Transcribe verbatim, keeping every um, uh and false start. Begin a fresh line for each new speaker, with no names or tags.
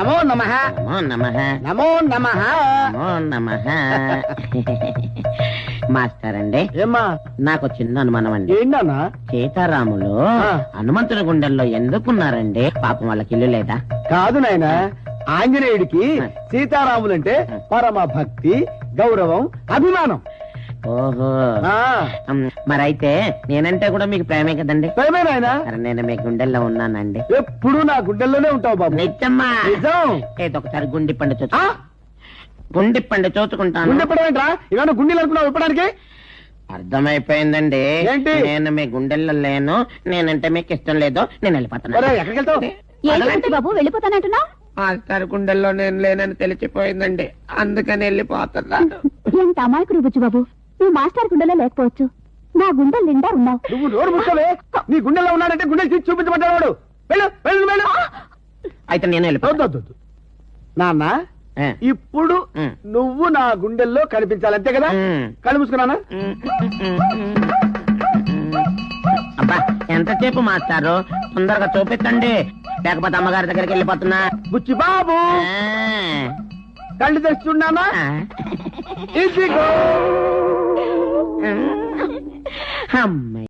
నమో నమః
నమో నమః
నమో నమః
నమో నమః. మాస్టర్ అండి,
ఏమ్మా
నాకు చిన్న అనుమానం అండి.
ఏంటన్నా?
సీతారాములు
ఆ.
హనుమంతుని గుండెల్లో ఎందుకున్నారండి? పాపం వాళ్ళకి ఇల్లు లేదా?
కాదు నాయన, ఆంజనేయుడికి సీతారాములంటే పరమ భక్తి, గౌరవం, అభిమానం.
ఓహో,
ఆ
ఉమ్, మరైతే నేనంటే కూడా మీకు ప్రేమే కదండి?
ప్రేమే నాయన.
మరి నేను మీ గుండెల్లో ఉన్నానండి.
ఎప్పుడు నా గుండెల్లోనే ఉంటావు బాబు.
నిజమ్మా?
నిజం.
ఏదో ఒకసారి గుండి పండు చూసు
ఆ?
గుండి పండు చూసుకుంటాను.
గుండె పడవేంట్రా? ఇవన్నీ గుండెలు అనుకున్నావు ఇప్పడానికి?
అర్థమైపోయిందండి.
ఏంటి?
నేను మీ గుండెల్లో లేను, నేనంటే మీకు ఇష్టం లేదు, నేను వెళ్ళిపోతాను.
ఒరేయ్, ఎక్కడికి వెళ్తావు?
ఏంటి బాబు వెళ్ళిపోతానంటున్నావు?
మాస్టర్ గుండెల్లో నేను లేనని తెలిసిపోయిందండి, అందుకని వెళ్ళిపోతున్నాను.
ఎంత అమాయకుడు బుజ్జు బాబు, నువ్వు మాస్టర్ గుండెలో లేకపోవచ్చు, నా గుండెలు నిండా ఉన్నావు.
నువ్వు నోరు ముక్కవే. నీ గుండెల్లో ఉన్నాడంటే గుండెలు తీసి చూపించబడ్డాడు వాడు. వెళ్ళు వెళ్ళు వెళ్ళు.
అయితే నేను వెళ్ళిపోతాను.
వద్దు, వద్దు, వద్దు. నాన్న,
ఆ.
ఇప్పుడు
ఉమ్.
నువ్వు నా గుండెల్లో కనిపించాలి, అంతే కదా?
ఉమ్.
కళ్ళు మూసుకున్నానా?
అబ్బా, ఎంతసేపు మాస్టారు, తొందరగా చూపించండి, లేకపోతే అమ్మగారి దగ్గరికి వెళ్ళిపోతున్నా.
బుచ్చి బాబు,
ఆ.
కళ్ళు తెస్తున్నానా?
ఆ.
ఇదిగో.
అమ్మాయి